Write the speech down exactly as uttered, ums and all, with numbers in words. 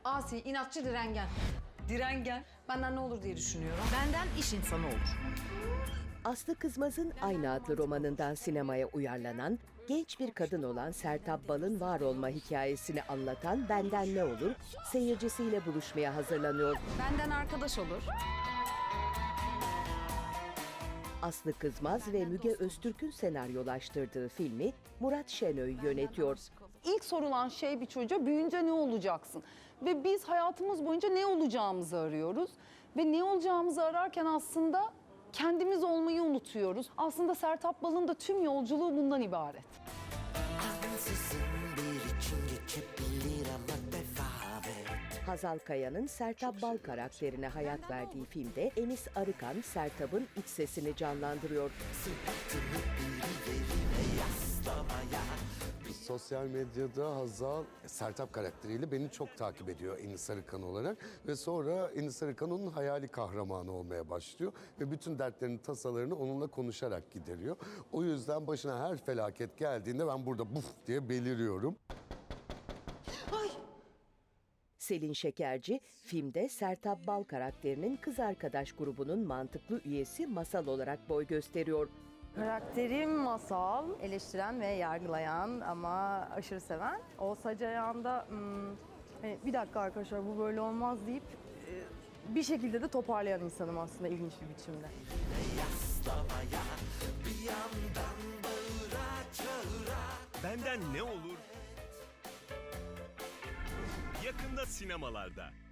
Asi, inatçı, direngen. Direngen. Benden ne olur diye düşünüyorum. Benden iş insanı olur. Aslı Kızmaz'ın aynı adlı romanından sinemaya uyarlanan, genç bir kadın olan Sertab Bal'ın var olma hikayesini anlatan Benden Ne Olur, seyircisiyle buluşmaya hazırlanıyor. Benden arkadaş olur. Aslı Kızmaz ve Müge Öztürk'ün senaryolaştırdığı filmi Murat Şenöy yönetiyor. İlk sorulan şey bir çocuğa büyüyünce ne olacaksın? Ve biz hayatımız boyunca ne olacağımızı arıyoruz. Ve ne olacağımızı ararken aslında kendimiz olmayı unutuyoruz. Aslında Sertab Bal'ın da tüm yolculuğu bundan ibaret. Ansızın bir için geçebilir ama devam et. Hazal Kaya'nın Sertab Bal karakterine hayat verdiği filmde Enis Arıkan, Sertab'ın iç sesini canlandırıyor. Sırtını birilerine yaslamaya. Sosyal medyada Hazal, Sertab karakteriyle beni çok takip ediyor Enis Arıkan olarak. Ve sonra Enis Arıkan onun hayali kahramanı olmaya başlıyor. Ve bütün dertlerini, tasalarını onunla konuşarak gideriyor. O yüzden başına her felaket geldiğinde ben burada buf diye beliriyorum. Selin Şekerci, filmde Sertab Bal karakterinin kız arkadaş grubunun mantıklı üyesi Masal olarak boy gösteriyor. Karakterim Masal, eleştiren ve yargılayan ama aşırı seven. O sac ayağında hmm, hani bir dakika arkadaşlar bu böyle olmaz deyip e, bir şekilde de toparlayan insanım aslında ilginç bir biçimde. Yaslamaya bir yandan bağıra çağıra. Benden Ne Olur? Yakında sinemalarda.